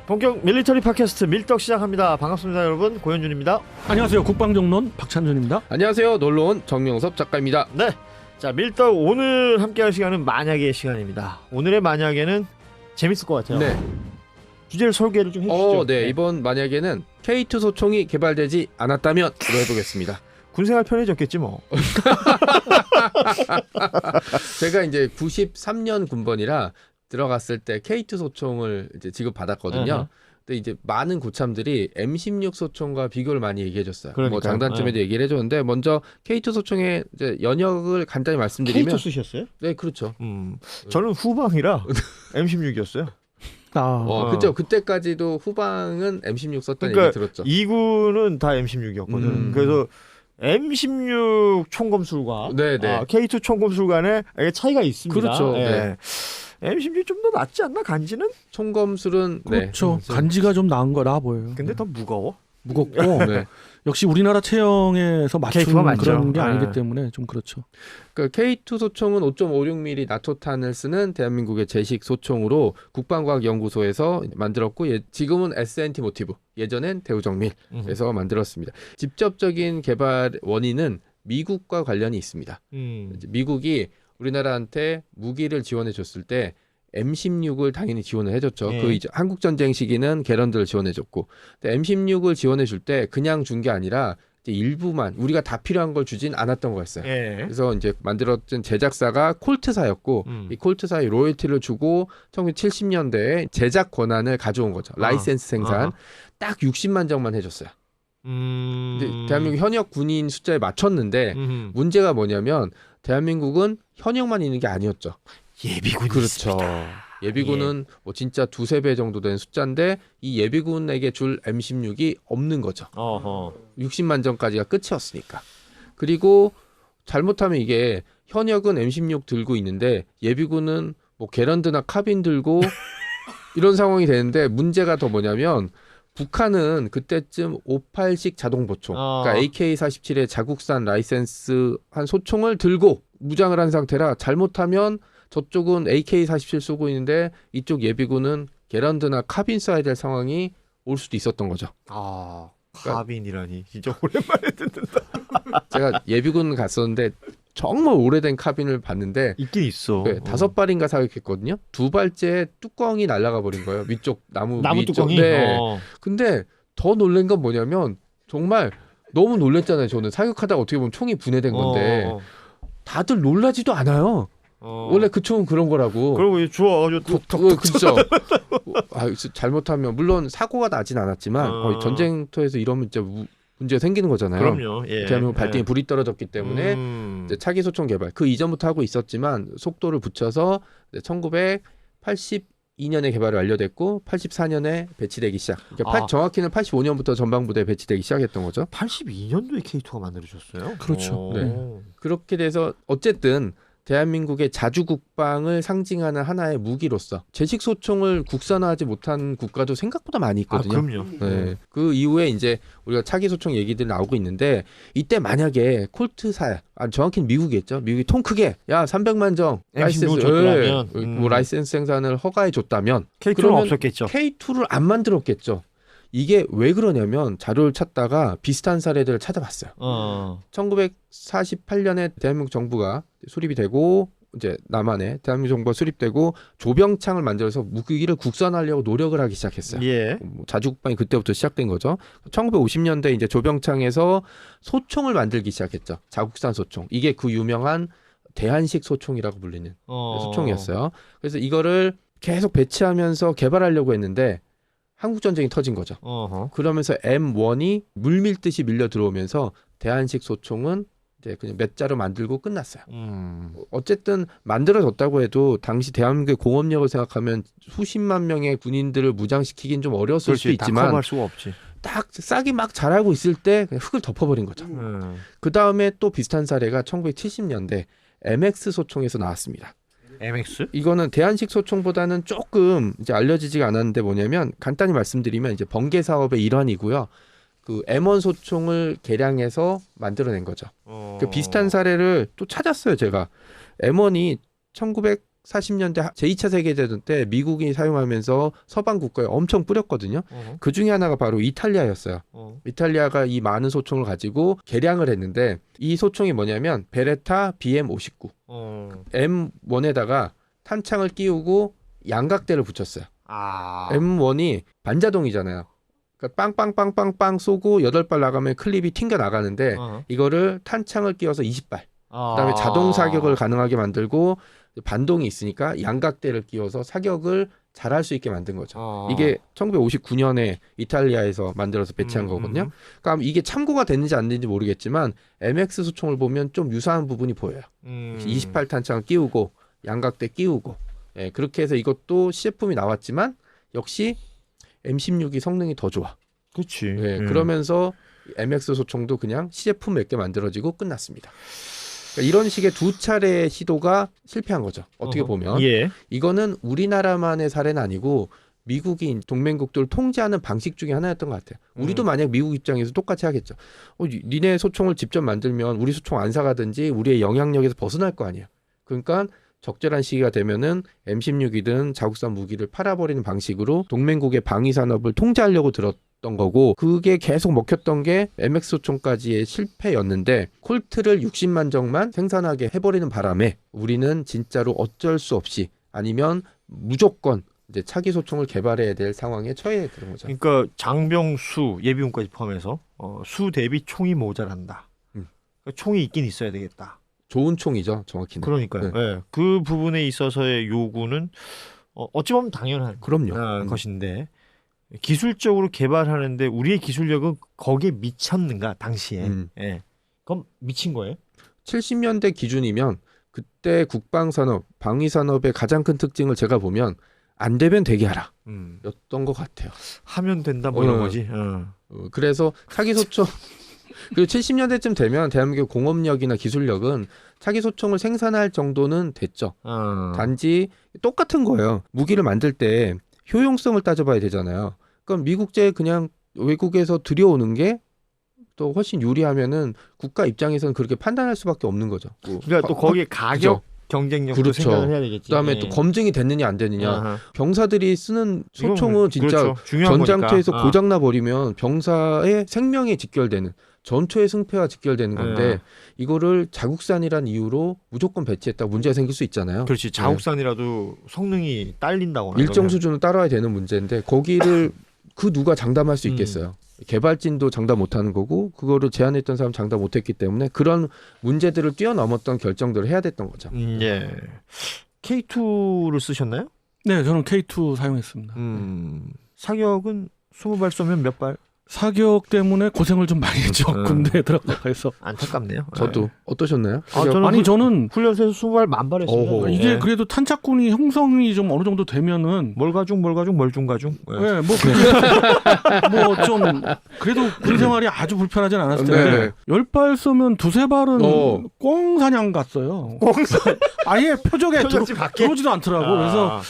본격 밀리터리 팟캐스트 밀떡 시작합니다. 반갑습니다 여러분. 고현준입니다. 안녕하세요. 국방정론 박찬준입니다. 안녕하세요. 놀러온 정명섭 작가입니다. 네, 자 밀떡 오늘 함께할 시간은 만약의 시간입니다. 오늘의 만약에는 재밌을 것 같아요. 네. 주제를 설계를 좀 해주시죠. 네. 이번 만약에는 K2 소총이 개발되지 않았다면으로 해보겠습니다. 군생활 편해졌겠지 뭐. 제가 이제 93년 군번이라 들어갔을 때 K2 소총을 이제 지급받았거든요. 근데 이제 많은 고참들이 M16 소총과 비교를 많이 얘기해줬어요. 뭐 장단점에도 얘기를 해줬는데 먼저 K2 소총의 이제 연역을 간단히 말씀드리면 K2 쓰셨어요? 네, 그렇죠. 저는 후방이라 M16이었어요. 그죠. 그때까지도 후방은 M16 썼다는 그러니까 얘기 들었죠. 2구는 다 M16이었거든. 그래서 M16 총검술과 K2 총검술 간에 차이가 있습니다. 그렇죠. 네. M16 좀 더 낫지 않나 간지는? 총검술은 그렇죠. 간지가 좀 나은 거라 보여요. 근데 더 무거워. 무겁고 역시 우리나라 체형에서 맞춘 그런 게 아니기 때문에 좀 그렇죠. 그러니까 K2 소총은 5.56mm 나토탄을 쓰는 대한민국의 제식 소총으로 국방과학연구소에서 만들었고 지금은 S&T 모티브, 예전엔 대우정밀에서 만들었습니다. 직접적인 개발 원인은 미국과 관련이 있습니다. 미국이 우리나라한테 무기를 지원해 줬을 때 M16을 당연히 지원을 해줬죠. 그 한국전쟁 시기는 게런드를 지원해줬고, M16을 지원해줄 때 그냥 준 게 아니라 이제 일부만 우리가 다 필요한 걸 주진 않았던 거였어요. 그래서 이제 만들었던 제작사가 콜트사였고, 이 콜트사의 로열티를 주고 1970년대에 제작 권한을 가져온 거죠. 라이센스 생산 딱 60만 정만 해줬어요. 근데 대한민국 현역 군인 숫자에 맞췄는데 문제가 뭐냐면 대한민국은 현역만 있는 게 아니었죠. 예비군이 그렇죠. 있습니다. 예비군은 뭐 진짜 두세 배 정도 되는 숫자인데 이 예비군에게 줄 M16이 없는 거죠. 60만 정까지가 끝이었으니까. 그리고 잘못하면 이게 현역은 M16 들고 있는데 예비군은 뭐 게런드나 카빈 들고 이런 상황이 되는데 문제가 더 뭐냐면 북한은 그때쯤 58식 자동보총, 그러니까 AK-47의 자국산 라이센스 한 소총을 들고 무장을 한 상태라 잘못하면 저쪽은 AK-47 쏘고 있는데 이쪽 예비군은 게런드나 카빈 쏴야 될 상황이 올 수도 있었던 거죠. 카빈이라니 진짜 오랜만에 듣는다. 제가 예비군 갔었는데 정말 오래된 카빈을 봤는데 있긴 있어. 5발인가 사격했거든요. 2발째 뚜껑이 날아가 버린 거예요. 위쪽 나무 뚜껑이. 근데 더 놀란 건 뭐냐면 정말 너무 놀랬잖아요. 저는 사격하다가 어떻게 보면 총이 분해된 건데 다들 놀라지도 않아요. 원래 그 총은 그런 거라고. 그리고 주워가지고 그렇죠. 잘못하면 물론 사고가 나진 않았지만 거의 전쟁터에서 이러면 진짜 문제가 생기는 거잖아요. 그럼요. 대한민국 발등에 불이 떨어졌기 때문에 이제 차기 소총 개발 그 이전부터 하고 있었지만 속도를 붙여서 1982년에 개발이 완료됐고 84년에 배치되기 시작. 그러니까 정확히는 85년부터 전방부대에 배치되기 시작했던 거죠. 82년도에 K2가 만들어졌어요. 그렇죠. 그렇게 돼서 어쨌든 대한민국의 자주국방을 상징하는 하나의 무기로서 제식 소총을 국산화하지 못한 국가도 생각보다 많이 있거든요. 그럼요. 그 이후에 이제 우리가 차기 소총 얘기들이 나오고 있는데 이때 만약에 콜트사, 정확히는 미국이겠죠. 미국이 통 크게 300만 정 라이센스 뭐 라이센스 생산을 허가해 줬다면 K2는 없었겠죠. K2를 안 만들었겠죠. 이게 왜 그러냐면 자료를 찾다가 비슷한 사례들을 찾아봤어요. 1948년에 대한민국 정부가 수립이 되고 이제 남한에 대한민국 정부가 수립되고 조병창을 만들어서 무기를 국산화하려고 노력을 하기 시작했어요. 자주국방이 그때부터 시작된 거죠. 1950년대 이제 조병창에서 소총을 만들기 시작했죠. 자국산 소총. 이게 그 유명한 대한식 소총이라고 불리는 소총이었어요. 그래서 이거를 계속 배치하면서 개발하려고 했는데 한국전쟁이 터진 거죠. 그러면서 M1이 물밀듯이 밀려 들어오면서 대한식 소총은 이제 그냥 몇 자로 만들고 끝났어요. 어쨌든 만들어졌다고 해도 당시 대한민국의 공업력을 생각하면 수십만 명의 군인들을 무장시키긴 좀 어려웠을 수도 있지만 다 커버할 수가 없지. 딱 싹이 막 자라고 있을 때 그냥 흙을 덮어버린 거죠. 그 다음에 또 비슷한 사례가 1970년대 MX 소총에서 나왔습니다. MX? 이거는 대한식 소총보다는 조금 이제 알려지지가 않았는데 뭐냐면 간단히 말씀드리면 이제 번개 사업의 일환이고요. 그 M1 소총을 개량해서 만들어낸 거죠. 그 비슷한 사례를 또 찾았어요, 제가. M1이 40년대 제2차 세계대전 때 미국이 사용하면서 서방 국가에 엄청 뿌렸거든요. 그 중에 하나가 바로 이탈리아였어요. 이탈리아가 이 많은 소총을 가지고 개량을 했는데 이 소총이 뭐냐면 베레타 BM59 M1에다가 탄창을 끼우고 양각대를 붙였어요. M1이 반자동이잖아요. 그러니까 빵빵빵빵빵 쏘고 8발 나가면 클립이 튕겨 나가는데 이거를 탄창을 끼워서 20발. 그다음에 자동 사격을 가능하게 만들고 반동이 있으니까 양각대를 끼워서 사격을 잘할 수 있게 만든 거죠. 이게 1959년에 이탈리아에서 만들어서 배치한 거거든요. 그러니까 이게 참고가 됐는지 안 됐는지 모르겠지만 MX 소총을 보면 좀 유사한 부분이 보여요. 28 탄창을 끼우고 양각대 끼우고 예, 그렇게 해서 이것도 시제품이 나왔지만 역시 M16이 성능이 더 좋아. 그렇지. 예, 그러면서 MX 소총도 그냥 시제품 몇 개 만들어지고 끝났습니다. 그러니까 이런 식의 두 차례의 시도가 실패한 거죠. 어떻게 보면. 예. 이거는 우리나라만의 사례는 아니고 미국이 동맹국들을 통제하는 방식 중에 하나였던 것 같아요. 우리도 만약 미국 입장에서 똑같이 하겠죠. 니네 소총을 직접 만들면 우리 소총 안 사가든지 우리의 영향력에서 벗어날 거 아니에요. 그러니까 적절한 시기가 되면은 M16이든 자국산 무기를 팔아버리는 방식으로 동맹국의 방위 산업을 통제하려고 들었던 거고 그게 계속 먹혔던 게 MX 소총까지의 실패였는데 콜트를 60만 정만 생산하게 해버리는 바람에 우리는 진짜로 어쩔 수 없이 아니면 무조건 이제 차기 소총을 개발해야 될 상황에 처해 들은 거죠. 그러니까 장병 수 예비군까지 포함해서 수 대비 총이 모자란다. 그러니까 총이 있긴 있어야 되겠다. 좋은 총이죠, 정확히는. 그러니까요. 네. 네. 그 부분에 있어서의 요구는 어찌 보면 당연한 그럼요. 것인데 기술적으로 개발하는데 우리의 기술력은 거기에 미쳤는가 당시에? 예. 그럼 미친 거예요? 70년대 기준이면 그때 국방산업, 방위산업의 가장 큰 특징을 제가 보면 안 되면 되게 하라 였던 것 같아요. 하면 된다 뭐 이런 거지. 그래서 차기 소총 그리고 70년대쯤 되면 대한민국 공업력이나 기술력은 차기 소총을 생산할 정도는 됐죠. 단지 똑같은 거예요. 무기를 만들 때 효용성을 따져봐야 되잖아요. 그럼 미국제 그냥 외국에서 들여오는 게 또 훨씬 유리하면은 국가 입장에서는 그렇게 판단할 수밖에 없는 거죠. 그러니까 또 거기에 가격 경쟁력도 그렇죠. 생각을 해야 되겠지. 그다음에 또 검증이 됐느냐 안 됐느냐. 병사들이 쓰는 소총은 진짜 그렇죠. 전장터에서 고장나 버리면 병사의 생명에 직결되는 전투의 승패와 직결되는 건데 이거를 자국산이란 이유로 무조건 배치했다 문제가 생길 수 있잖아요. 그렇지. 자국산이라도 성능이 딸린다거나 일정 수준은 따라야 되는 문제인데 거기를 그 누가 장담할 수 있겠어요. 개발진도 장담 못하는 거고 그거를 제안했던 사람 장담 못했기 때문에 그런 문제들을 뛰어넘었던 결정들을 해야 됐던 거죠. 예. K2를 쓰셨나요? 네, 저는 K2 사용했습니다. 사격은 20발 쏘면 몇 발? 사격 때문에 고생을 좀 많이 했죠. 군대에 들어가서. 안타깝네요. 저도 어떠셨나요? 저는 훈련소에서 20발 만발 했습니다. 이게 그래도 탄착군이 형성이 좀 어느 정도 되면은 멀가중 멀중가중. 네, 뭐 좀 그래도 군 생활이 아주 불편하진 않았을 텐데 10발 쏘면 두세 발은 꽁 사냥 갔어요. 아예 표적에 들어오지도 않더라고. 그래서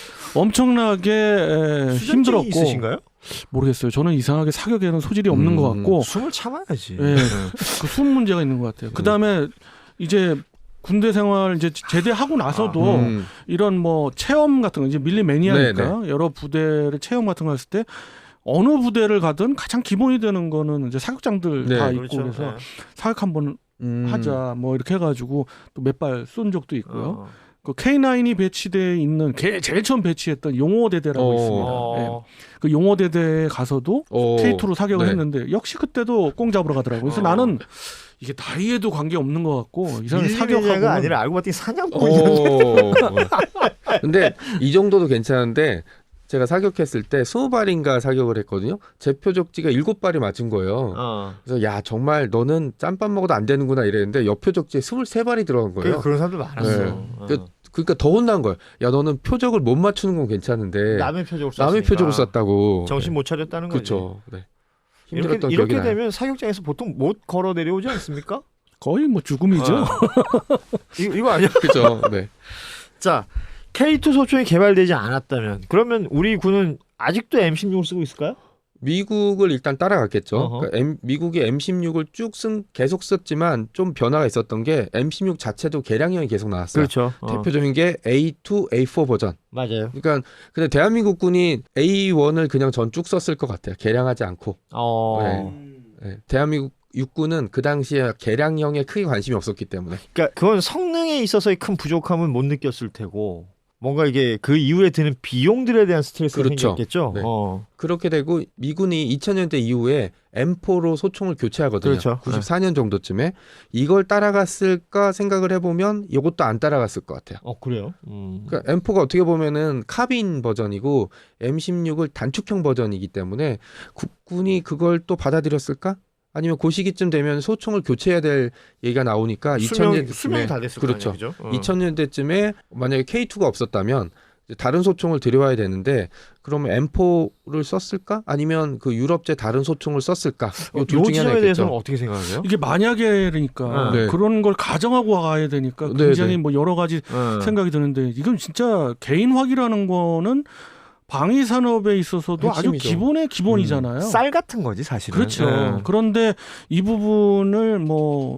엄청나게 힘들었고. 있으신가요? 모르겠어요. 저는 이상하게 사격에는 소질이 없는 것 같고 숨을 참아야지. 네, 그 숨 문제가 있는 것 같아요. 그 다음에 이제 군대 생활 이제 제대하고 나서도 이런 뭐 체험 같은 거 이제 밀리매니아니까 여러 부대를 체험 같은 거 했을 때 어느 부대를 가든 가장 기본이 되는 거는 이제 사격장들 다 있고 그렇죠. 그래서 사격 한번 하자 뭐 이렇게 해가지고 또 몇 발 쏜 적도 있고요. 그 K9이 배치되어 있는 제일 처음 배치했던 용호대대라고 있습니다. 네. 그 용호대대에 가서도 K2로 사격을 했는데 역시 그때도 꽁 잡으러 가더라고요. 그래서 나는 이게 나이에도 관계 없는 것 같고 이상하게 사격하고 아니라 알고 봤더니 사냥꾼이었는데. 근데 이 정도도 괜찮은데 제가 사격했을 때 20발인가 사격을 했거든요. 제 표적지가 7발이 맞은 거예요. 그래서 야 정말 너는 짬밥 먹어도 안 되는구나 이랬는데 옆 표적지에 23발이 들어간 거예요. 그런 사람들 많았어. 네. 그러니까 더 혼난 거예요. 야 너는 표적을 못 맞추는 건 괜찮은데 남의 표적을 쐈다고. 정신 못 차렸다는 거지. 그렇죠. 네. 힘들었던 이렇게 되면 사격장에서 보통 못 걸어 내려오지 않습니까? 거의 뭐 죽음이죠. 이거 아니야? 그렇죠. 네. 자, K2 소총이 개발되지 않았다면 그러면 우리 군은 아직도 M16을 쓰고 있을까요? 미국을 일단 따라갔겠죠. 그러니까 미국이 M16을 계속 썼지만 좀 변화가 있었던 게 M16 자체도 개량형이 계속 나왔어요. 그렇죠. 대표적인 게 A2, A4 버전. 맞아요. 그러니까 근데 대한민국 군이 A1을 그냥 전 쭉 썼을 것 같아요. 개량하지 않고. 네. 대한민국 육군은 그 당시에 개량형에 크게 관심이 없었기 때문에. 그러니까 그건 성능에 있어서의 큰 부족함은 못 느꼈을 테고 뭔가 이게 그 이후에 드는 비용들에 대한 스트레스가 그렇죠. 생겼겠죠. 네. 그렇게 되고 미군이 2000년대 이후에 M4로 소총을 교체하거든요. 그렇죠. 94년 정도쯤에 이걸 따라갔을까 생각을 해보면 이것도 안 따라갔을 것 같아요. 그래요? 그러니까 M4가 어떻게 보면은 카빈 버전이고 M16을 단축형 버전이기 때문에 국군이 그걸 또 받아들였을까? 아니면 그 시기쯤 되면 소총을 교체해야 될 얘기가 나오니까 수명이 다 됐을 그렇죠. 거 아니에요, 2000년대쯤에 만약에 K2가 없었다면 다른 소총을 들여와야 되는데 그러면 M4를 썼을까? 아니면 그 유럽제 다른 소총을 썼을까? 이 둘 중에 하나겠죠. 대해서는 어떻게 생각하세요? 이게 만약에니까 네. 그런 걸 가정하고 가야 되니까 굉장히 뭐 여러 가지 생각이 드는데 이건 진짜 개인화기라는 거는 방위 산업에 있어서도 핵심이죠. 아주 기본의 기본이잖아요. 쌀 같은 거지 사실은. 그렇죠. 그런데 이 부분을 뭐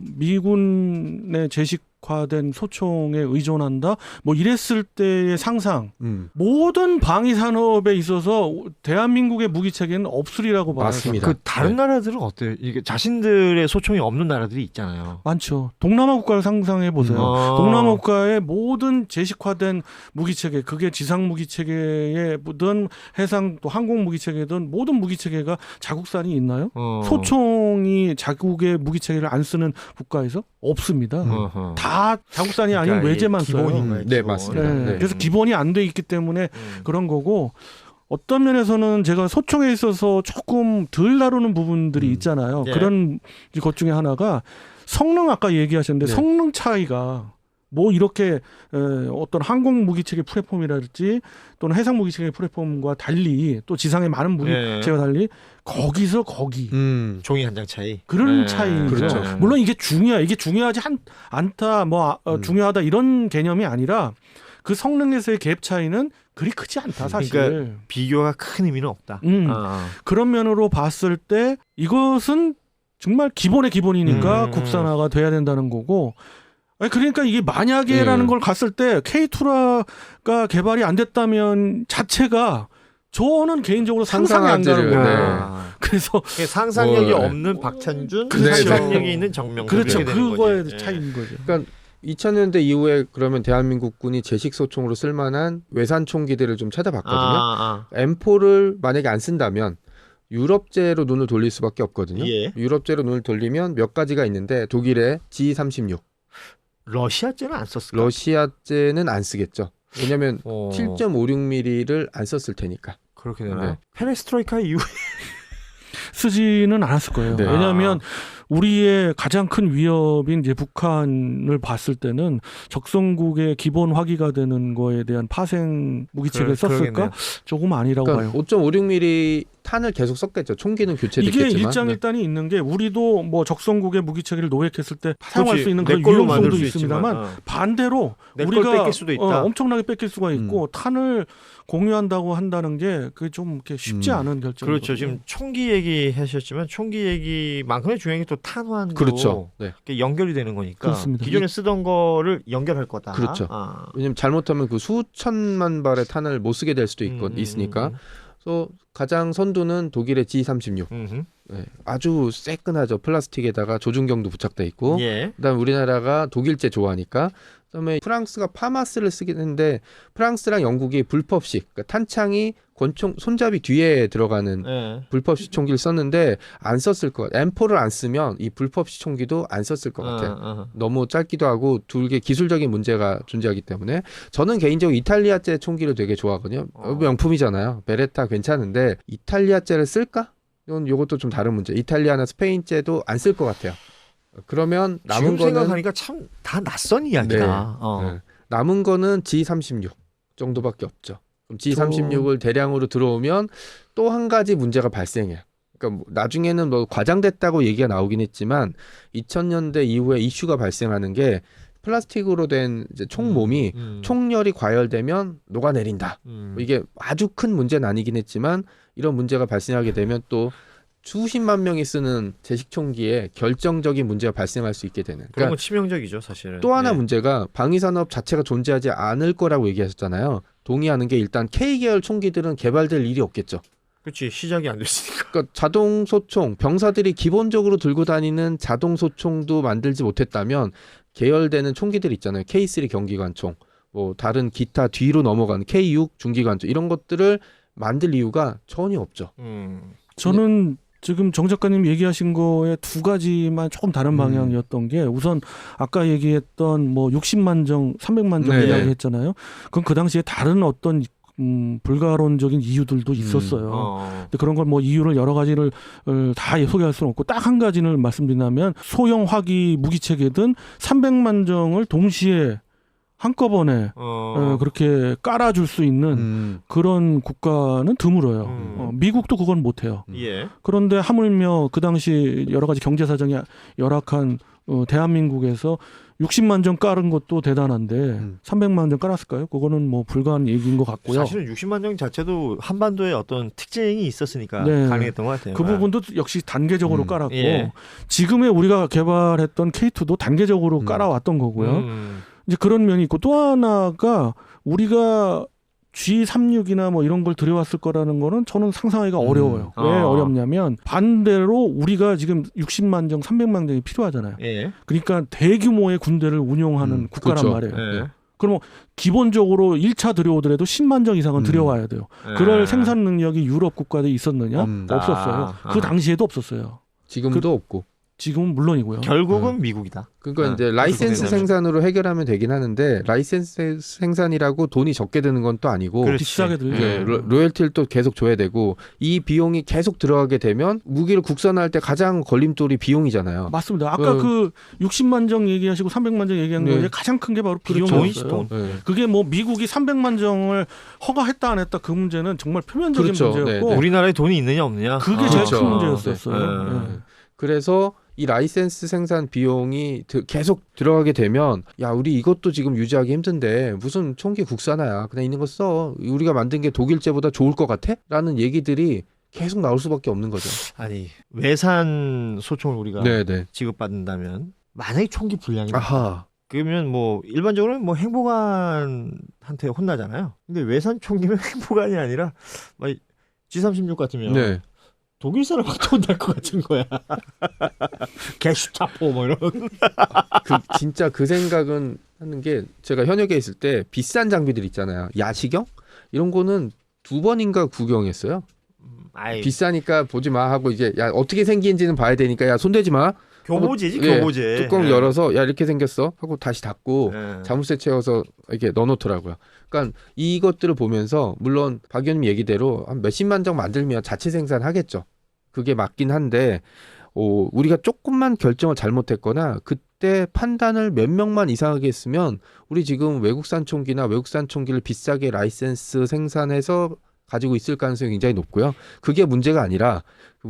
미군의 제식화된 소총에 의존한다. 뭐 이랬을 때의 상상. 모든 방위 산업에 있어서 대한민국의 무기 체계는 없으리라고 봐요. 맞습니다. 그 다른 나라들은 어때요? 이게 자신들의 소총이 없는 나라들이 있잖아요. 많죠. 동남아 국가를 상상해 보세요. 동남아 국가의 모든 제식화된 무기 체계, 그게 지상 무기 체계든 해상 또 항공 무기 체계든 모든 무기 체계가 자국산이 있나요? 소총이 자국의 무기 체계를 안 쓰는 국가에서 없습니다. 다 자국산이 아닌 그러니까 외제만 써요. 기본인가요? 네, 맞습니다. 네. 네. 그래서 기본이 안 돼 있기 때문에 그런 거고 어떤 면에서는 제가 소총에 있어서 조금 덜 다루는 부분들이 있잖아요. 예. 그런 것 중에 하나가 성능 아까 얘기하셨는데 네. 성능 차이가 뭐 이렇게 어떤 항공 무기체계 플랫폼이랄지 또는 해상 무기체계 플랫폼과 달리 또 지상의 많은 무기체계와 달리 거기서 거기 종이 한 장 차이. 그런 차이죠. 그렇죠. 물론 이게 중요하지 않다 뭐 중요하다 이런 개념이 아니라 그 성능에서의 갭 차이는 그리 크지 않다 사실. 그러니까 비교가 큰 의미는 없다. 그런 면으로 봤을 때 이것은 정말 기본의 기본이니까 국산화가 돼야 된다는 거고. 그러니까 이게 만약에라는 걸 갔을 때 K2가 개발이 안 됐다면 자체가 저는 개인적으로 상상이 안 가는 거예요. 그래서 상상력이 없는 박찬준, 상상력이 있는 정명. 그렇죠. 그거의 차이인 거죠. 그러니까 2000년대 이후에 그러면 대한민국군이 제식 소총으로 쓸만한 외산 총기들을 좀 찾아봤거든요. M4를 만약에 안 쓴다면 유럽제로 눈을 돌릴 수밖에 없거든요. 예. 유럽제로 눈을 돌리면 몇 가지가 있는데 독일의 G36. 러시아제는 안 썼을까? 러시아제는 안 쓰겠죠. 왜냐하면 7.56mm를 안 썼을 테니까. 그렇게 되나요? 페레스트로이카 이후에 쓰지는 않았을 거예요. 네. 왜냐하면 우리의 가장 큰 위협인 이제 북한을 봤을 때는 적성국의 기본 화기가 되는 거에 대한 파생 무기체계를 썼을까? 그러겠네요. 조금 아니라고 그러니까 봐요. 5.56mm 탄을 계속 썼겠죠. 총기는 교체됐겠지만. 이게 일장일단이 있는 게 우리도 뭐 적성국의 무기체계를 노획했을 때 사용할 수 있는 그런 걸로 유용성도 만들 수 있습니다만 반대로 내 걸 우리가 뺏길 수도 있다. 엄청나게 뺏길 수가 있고 탄을 공유한다고 한다는 게 그게 좀 이렇게 쉽지 않은 결정이거든요. 그렇죠. 지금 총기 얘기하셨지만 총기 얘기만큼의 중요한 게 또 탄환도 그렇죠. 네. 연결이 되는 거니까 그렇습니다. 기존에 쓰던 거를 연결할 거다. 그렇죠. 왜냐면 잘못하면 그 수천만 발의 탄을 못 쓰게 될 수도 있으니까. 그래서 가장 선두는 독일의 G36. 네, 아주 새끈하죠. 플라스틱에다가 조준경도 부착돼 있고. 예. 그다음 우리나라가 독일제 좋아하니까. 그다음에 프랑스가 파마스를 쓰긴 했는데 프랑스랑 영국이 불법식, 그러니까 탄창이 권총 손잡이 뒤에 들어가는 불법식 총기를 썼는데 안 썼을 것 같아요. M4를 안 쓰면 이 불법식 총기도 안 썼을 것 같아요. 너무 짧기도 하고 둘게 기술적인 문제가 존재하기 때문에 저는 개인적으로 이탈리아제 총기를 되게 좋아하거든요. 명품이잖아요. 베레타 괜찮은데 이탈리아제를 쓸까? 이건 이것도 좀 다른 문제. 이탈리아나 스페인제도 안 쓸 것 같아요. 그러면 남은 지금 거는 생각하니까 참 다 낯선 이야기다. 네. 남은 거는 G36 정도밖에 없죠. 그럼 G36을 대량으로 들어오면 또 한 가지 문제가 발생해요. 그러니까 뭐 나중에는 뭐 과장됐다고 얘기가 나오긴 했지만 2000년대 이후에 이슈가 발생하는 게 플라스틱으로 된 이제 총 몸이 총열이 과열되면 녹아내린다. 이게 아주 큰 문제는 아니긴 했지만 이런 문제가 발생하게 되면 또 수십만 명이 쓰는 제식총기에 결정적인 문제가 발생할 수 있게 되는. 그런 건 치명적이죠, 사실은. 또 하나 네. 문제가 방위산업 자체가 존재하지 않을 거라고 얘기하셨잖아요. 동의하는 게 일단 K계열 총기들은 개발될 일이 없겠죠. 그렇지, 시작이 안 됐으니까. 그러니까 자동 소총, 병사들이 기본적으로 들고 다니는 자동 소총도 만들지 못했다면 계열되는 총기들 있잖아요. K3 경기관총, 뭐 다른 기타 뒤로 넘어가는 K6 중기관총 이런 것들을 만들 이유가 전혀 없죠. 저는 지금 정 작가님 얘기하신 거에 두 가지만 조금 다른 방향이었던 게 우선 아까 얘기했던 뭐 60만 정, 300만 정 네. 이야기했잖아요. 그건 그 당시에 다른 어떤 불가론적인 이유들도 있었어요. 근데 그런 걸 뭐 이유를 여러 가지를 다 소개할 수는 없고 딱 한 가지를 말씀드리면 소형 화기 무기 체계든 300만 정을 동시에 한꺼번에 그렇게 깔아줄 수 있는 그런 국가는 드물어요. 미국도 그건 못해요. 예. 그런데 하물며 그 당시 여러 가지 경제 사정이 열악한 대한민국에서 60만 정 깔은 것도 대단한데 300만 정 깔았을까요? 그거는 뭐 불가한 얘기인 것 같고요. 사실은 60만 정 자체도 한반도에 어떤 특징이 있었으니까 네. 가능했던 것 같아요. 그 부분도 역시 단계적으로 깔았고 예. 지금의 우리가 개발했던 K2도 단계적으로 깔아왔던 거고요. 이제 그런 면이 있고 또 하나가 우리가 G36이나 뭐 이런 걸 들여왔을 거라는 거는 저는 상상하기가 어려워요. 왜 어렵냐면 반대로 우리가 지금 60만 정, 300만 정이 필요하잖아요. 예. 그러니까 대규모의 군대를 운용하는 국가란 그렇죠. 말이에요. 예. 그럼 기본적으로 1차 들여오더라도 10만 정 이상은 들여와야 돼요. 그럴 생산 능력이 유럽 국가들이 있었느냐? 없었어요. 그 당시에도 없었어요. 지금도 없고. 지금은 물론이고요. 결국은 미국이다. 그러니까 이제 라이센스 생산으로 해결하면 되긴 하는데 라이센스 생산이라고 돈이 적게 드는 건 또 아니고 비싸게 들죠. 예, 로열티를 또 계속 줘야 되고 이 비용이 계속 들어가게 되면 무기를 국산화할 때 가장 걸림돌이 비용이잖아요. 맞습니다. 아까 그 60만 정 얘기하시고 300만 정 얘기한 거에 가장 큰 게 바로 비용이었어요. 네. 그게 뭐 미국이 300만 정을 허가했다 안 했다 그 문제는 정말 표면적인 그렇죠. 문제였고 네, 네. 우리나라에 돈이 있느냐 없느냐. 그게 제일 그렇죠. 큰 문제였었어요. 네. 네. 그래서 이 라이센스 생산 비용이 계속 들어가게 되면 야 우리 이것도 지금 유지하기 힘든데 무슨 총기 국산화야 그냥 있는 거 써 우리가 만든 게 독일제보다 좋을 것 같아? 라는 얘기들이 계속 나올 수밖에 없는 거죠. 아니 외산 소총을 우리가 네네. 지급받는다면 만약에 총기 불량이 아하. 그러면 뭐 일반적으로는 뭐 행보관한테 혼나잖아요. 근데 외산 총기는 행보관이 아니라 막 G36 같으면 네. 독일 사람한테 혼날 것 같은 거야. 게슈타포 뭐 이런. 진짜 그 생각은 하는 게 제가 현역에 있을 때 비싼 장비들 있잖아요. 야시경 이런 거는 2번인가 구경했어요. 비싸니까 보지 마 하고 이제 야 어떻게 생긴지는 봐야 되니까 야 손대지 마. 교보제지 예, 교보제. 뚜껑 열어서 야 이렇게 생겼어 하고 다시 닫고 예. 자물쇠 채워서 이렇게 넣어놓더라고요. 그러니까 이것들을 보면서 물론 박 의원님 얘기대로 한 몇십만 정 만들면 자체 생산하겠죠. 그게 맞긴 한데 우리가 조금만 결정을 잘못했거나 그때 판단을 몇 명만 이상하게 했으면 우리 지금 외국산 총기나 외국산 총기를 비싸게 라이센스 생산해서 가지고 있을 가능성이 굉장히 높고요. 그게 문제가 아니라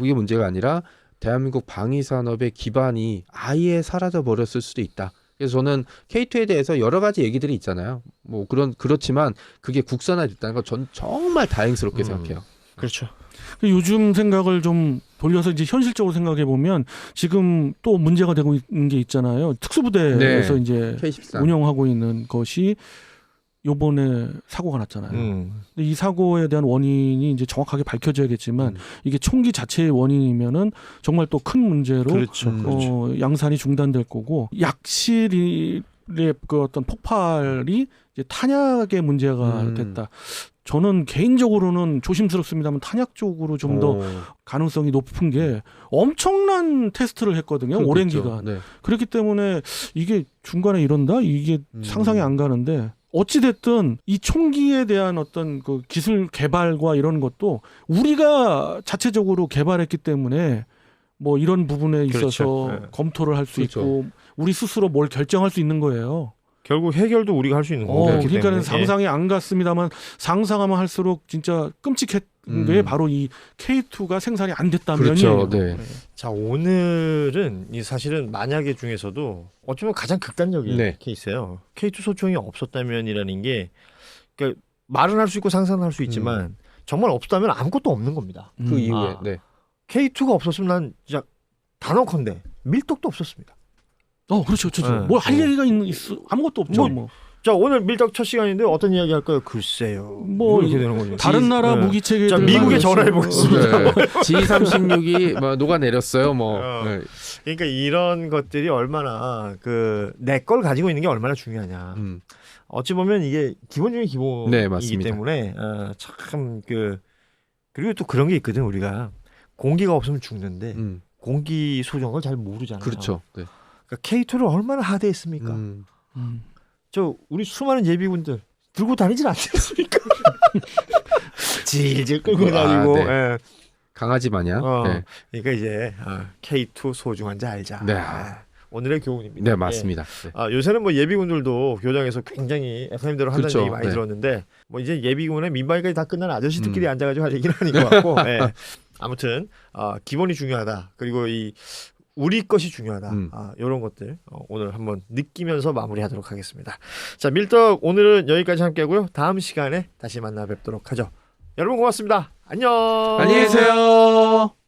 대한민국 방위산업의 기반이 아예 사라져 버렸을 수도 있다. 그래서 저는 K2에 대해서 여러 가지 얘기들이 있잖아요. 뭐 그렇지만 그게 국산화됐다는 건 전 정말 다행스럽게 생각해요. 그렇죠. 요즘 생각을 좀 돌려서 이제 현실적으로 생각해 보면 지금 또 문제가 되고 있는 게 있잖아요. 특수부대에서 이제 K14. 운영하고 있는 것이 요번에 사고가 났잖아요. 근데 이 사고에 대한 원인이 이제 정확하게 밝혀져야겠지만 이게 총기 자체의 원인이면은 정말 또 큰 문제로 그렇죠. 양산이 중단될 거고 약실의 그 어떤 폭발이 이제 탄약의 문제가 됐다. 저는 개인적으로는 조심스럽습니다만 탄약 쪽으로 좀 더 가능성이 높은 게 엄청난 테스트를 했거든요. 오랜 기간. 네. 그렇기 때문에 이게 중간에 이런다? 이게 상상이 안 가는데 어찌됐든 이 총기에 대한 어떤 그 기술 개발과 이런 것도 우리가 자체적으로 개발했기 때문에 뭐 이런 부분에 있어서 그렇죠. 네. 검토를 할 수 그렇죠. 있고 우리 스스로 뭘 결정할 수 있는 거예요. 결국 해결도 우리가 할 수 있는 거고. 그러니까는 상상이 안 갔습니다만 상상하면 할수록 진짜 끔찍했던 게 바로 이 K2가 생산이 안 됐다면이에요. 그렇죠. 네. 자, 오늘은 이 사실은 만약에 중에서도 어쩌면 가장 극단적인 네. 케이스예요. K2 소총이 없었다면이라는 게 그러니까 말은 할 수 있고 상상은 할 수 있지만 정말 없었다면 아무것도 없는 겁니다. 그 이후에 아. 네. K2가 없었으면 난 진짜 단언컨대 밀떡도 없었습니다. 그렇죠. 네. 뭘 할 얘기가 있어? 아무것도 없죠. 뭐. 자, 오늘 밀떡 첫 시간인데 어떤 이야기 할까요? 글쎄요. 뭐 이렇게 되는 거죠. 다른 나라 무기 체계. 자, 미국에 전화해 보겠습니다. 네. G36이 뭐 녹아 내렸어요. 뭐. 네. 그러니까 이런 것들이 얼마나 내 걸 가지고 있는 게 얼마나 중요하냐. 어찌 보면 이게 기본 중에 기본이기 네, 맞습니다. 때문에 참 그리고 또 그런 게 있거든. 우리가 공기가 없으면 죽는데 공기 소정을 잘 모르잖아요. 그렇죠. 네. 그러니까 K2를 얼마나 하대했습니까? 저 우리 수많은 예비군들 들고 다니질 않겠습니까? 질질 끌고 다니고. 네. 예. 강아지 마냥. 네. 그러니까 이제 K2 소중한지 알자. 네. 오늘의 교훈입니다. 네, 맞습니다. 네. 요새는 뭐 예비군들도 교장에서 굉장히 FM대로 한다는 그렇죠. 얘기 많이 네. 들었는데 뭐 이제 예비군의 민방위까지 다 끝난 아저씨들끼리 앉아가지고 할 얘기는 아닌 것 같고 아무튼 기본이 중요하다. 그리고 이 우리 것이 중요하다. 이런 것들 오늘 한번 느끼면서 마무리하도록 하겠습니다. 자, 밀떡 오늘은 여기까지 함께하고요. 다음 시간에 다시 만나 뵙도록 하죠. 여러분 고맙습니다. 안녕. 안녕히 계세요.